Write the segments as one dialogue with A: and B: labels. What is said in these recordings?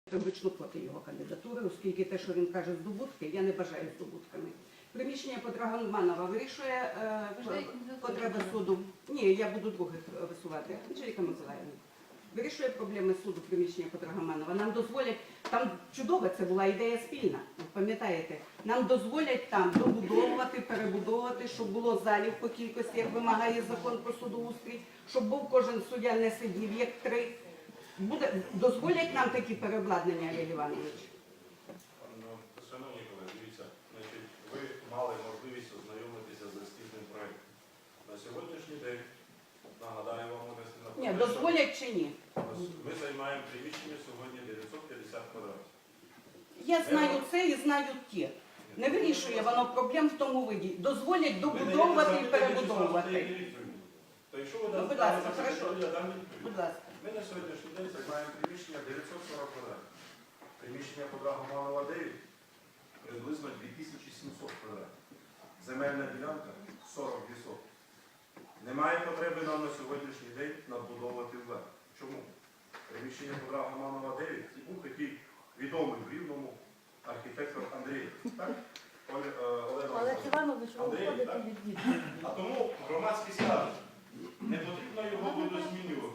A: категорично проти його кандидатури, оскільки те, що він каже, здобутки, я не бажаю здобутками. Приміщення по Драгоманова вирішує потреби суду. Ні, я буду других висувати. Анжеліка Миколаївна. Вирішує проблеми суду приміщення по Драгоманова. Нам дозволять, там чудова це була ідея спільна, пам'ятаєте, нам дозволять там добудовувати, перебудовувати, щоб було залів по кількості, як вимагає закон про судоустрій, щоб був кожен суддя не сидів, як 3. Дозволять нам такі переобладнання, Олег Іванович?
B: Шановні колеги, дивіться, ви мали можливість ознайомитися з ескізним проєктом. На сьогоднішній день, нагадаю вам,
A: Ні, дозволять чи ні?
B: Ми займаємо приміщення сьогодні 950 квадратів.
A: Я знаю це і знаю ті. Не вирішує воно проблем в тому виді. Дозволять добудовувати і перебудовувати.
B: То якщо ви
A: Будь ласка, хорошо.
B: я дам відповідь.
A: Будь ласка.
B: Ми на сьогоднішній день займаємо приміщення 940 квадратів. Приміщення по Драгоманова 9 приблизно 2700 квадратів. Земельна ділянка 40 відсотків. Немає потреби нам на сьогоднішній день надбудовувати вверх. Чому? Приміщення по Драгоманова 9 і був такий відомий в Рівному архітектор Андрій. Так?
C: Олег Іванович, ви виходите від відповіді.
B: А тому громадськість каже, не потрібно його видозмінювати.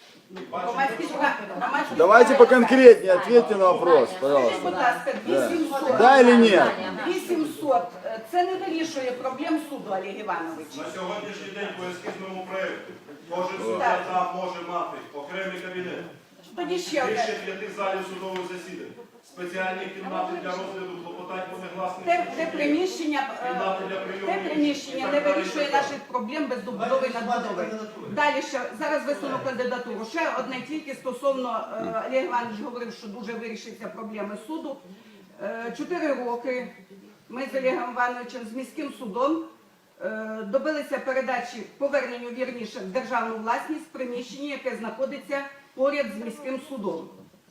D: Давайте поконкретнее ответьте на вопрос, пожалуйста.
A: Будь ласка, 2700.
D: Да или нет?
A: 2700. Це не вирішує проблем суду, Олег Іванович.
B: На сьогоднішній день по ескізному проєкту кожен суддя там може мати окремий кабінет,
A: Тоді ще
B: більше
A: одне.
B: 5 залів судових засідань, спеціальні кімнати для розгляду клопотань по негласних
A: Те приміщення не вирішує наших проблем без добудови і надбудови. Далі ще, зараз висуну кандидатуру. Ще одне тільки стосовно, Олег Іванович говорив, що дуже вирішиться проблеми суду. 4 роки ми з Олегом Івановичем, з міським судом, добилися передачі, поверненню, вірніше, в державну власність приміщення, яке знаходиться поряд з міським судом.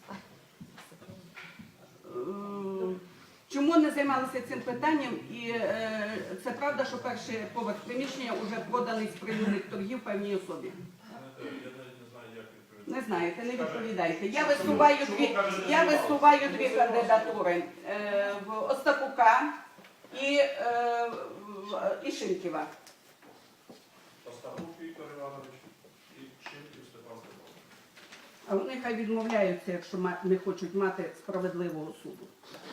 A: Чому не займалися цим питанням? І це правда, що перший поверх приміщення вже проданий з прилюдних торгів певній особі. Не знаєте, не відповідайте. Я висуваю дві кандидатури в Остапука і Шинківа.
B: Остапук Віктор Іванович і Шинків Степан Степанович.
A: А вони хай відмовляються, якщо не хочуть мати справедливого суду.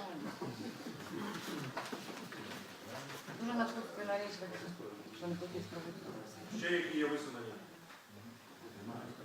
C: Дуже на нарішувати, що не хотів справедливості.
B: Ще які є висунення?